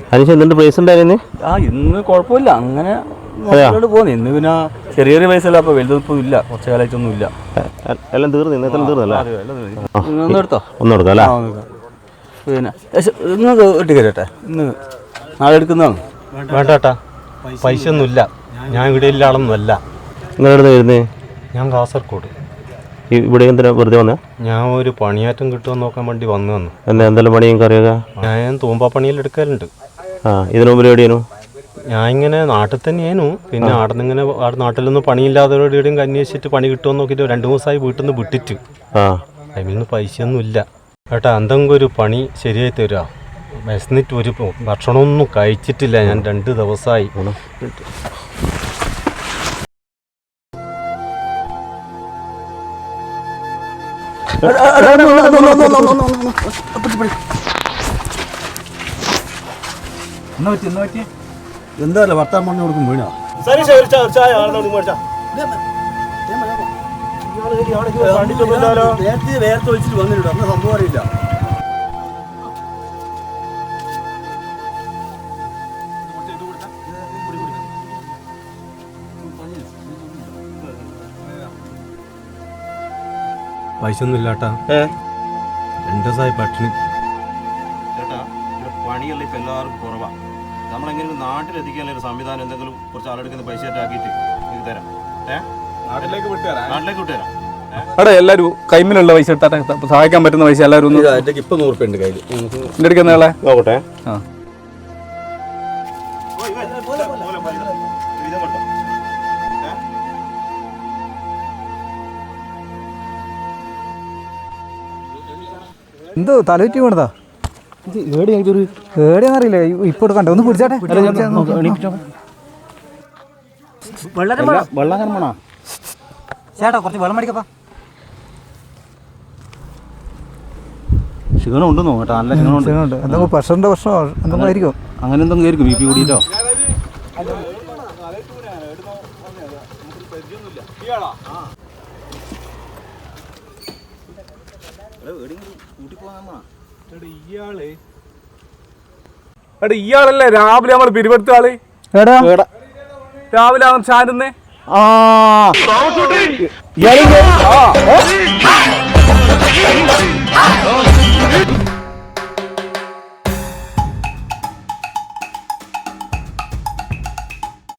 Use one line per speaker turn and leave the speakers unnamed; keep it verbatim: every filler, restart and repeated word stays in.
അതിന് എന്തിന്റെ പ്രൈസ് ഉണ്ടായിരുന്നു?
ആ ഇന്ന് കുഴപ്പമില്ല, അങ്ങനെ പോകുന്നു. ഇന്ന് പിന്നെ ചെറിയ ചെറിയ പൈസ അപ്പൊ വലുതൊന്നും ഇല്ല, കുറച്ച് കാലമായിട്ടൊന്നും ഇല്ല.
എല്ലാം തീർന്നു, ഇന്നത്തെ തീർന്നല്ലേ?
ഒന്ന് എടുത്തോ,
ഒന്ന് എടുക്കാം അല്ലേ?
പിന്നെ ഇന്ന് കിട്ടിക്കട്ടെ, ഇന്ന് നാളെ എടുക്കുന്നതാണ്.
വേണ്ടാട്ടാ, പൈസ ഒന്നുമില്ല. ഞാൻ ഇവിടെ ഇല്ല ആളൊന്നുമല്ല.
നിങ്ങൾ എവിടെ വരുന്നേ?
ഞാൻ കാസർഗോഡ്.
ഇവിടെ എന്തിനാ വെറുതെ വന്നേ?
ഞാൻ ഒരു പണിയാറ്റം കിട്ടുമെന്ന് നോക്കാൻ വേണ്ടി വന്നു വന്നു.
എന്നാ എന്തെല്ലാം പണി നിങ്ങൾക്ക് അറിയാം?
ഞാൻ തൂമ്പാ പണിയിൽ എടുക്കലുണ്ട്.
ആ, ഇതിനു മുമ്പ് എവിടെയാണു?
ഞാൻ ഇങ്ങനെ നാട്ടിൽ തന്നെയായിരുന്നു. പിന്നെ അവിടെ നിന്ന് ഇങ്ങനെ അവിടെ നാട്ടിലൊന്നും പണിയില്ലാത്തവരോടെയും അന്വേഷിച്ചിട്ട് പണി കിട്ടുമെന്ന് നോക്കിയിട്ട് രണ്ട് ദിവസമായി വീട്ടിൽ നിന്ന് വിട്ടിട്ട്.
ആ,
അതിൽ നിന്ന് പൈസയൊന്നും ഇല്ല ഏട്ടാ. എന്തെങ്കിലും ഒരു പണി ശരിയായി തരുക. വിശന്നിട്ട് ഒരു ഭക്ഷണമൊന്നും കഴിച്ചിട്ടില്ല ഞാൻ രണ്ട് ദിവസമായി.
എന്താ വർത്താൻ പറഞ്ഞു കൊടുക്കും വീണോ? വേർത്ത് വെച്ചിട്ട് വന്നിട്ടുണ്ട്, അന്ന് സംഭവം അറിയില്ല.
പൈസ ഒന്നും ഇല്ലാട്ടാ, രണ്ട് ദിവസമായി പട്ടിണി.
ചേട്ടാ, ഇവിടെ പണിയല്ല ഇപ്പം എല്ലാവർക്കും കുറവാണ്. നമ്മളെങ്ങനെ നാട്ടിലെത്തിക്കാനുള്ള ഒരു സംവിധാനം എന്തെങ്കിലും കുറച്ച് ആളെടുക്കുന്ന പൈസ ആക്കിയിട്ട് നിങ്ങൾക്ക് തരാം. ഏഹ് നാട്ടിലേക്ക് വിട്ടുതരാം, നാട്ടിലേക്ക് വിട്ടുതരാം.
അവിടെ എല്ലാവരും കൈമിലുള്ള പൈസ എടുത്താട്ടെ, സഹായിക്കാൻ പറ്റുന്ന പൈസ എല്ലാവരും ഒന്ന്.
ഇപ്പം നൂറ് രൂപ ഉണ്ട് കയ്യിൽ.
എൻ്റെ അടുക്കുന്ന ആളെ
നോക്കട്ടെ.
ആ,
എന്തോ തലവറ്റി വീണതാ? ഏടിയാന്നറിയില്ല, ഇപ്പൊ എടുക്കണ്ട. ഒന്ന് പിടിച്ചാട്ടെ. ചേട്ടാ കുറച്ച് വെള്ളം മേടിക്കപ്പാ.
ക്ഷീണം ഉണ്ടെന്നോ കേട്ടോ, നല്ല ക്ഷീണമുണ്ട്.
എന്തെങ്കിലും പ്രഷറിന്റെ പ്രശ്നമോ എന്തെങ്കിലും ആയിരിക്കും.
അങ്ങനെ എന്തെങ്കിലും ആയിരിക്കും, ബി പി കൂടിയിട്ടോ.
ഇയാള് എടാ ഇയാളല്ലേ രാവിലെ നമ്മൾ പിരിവെടുത്ത ആള്? രാവിലെ അവൻ ചാരുന്നേ. ആ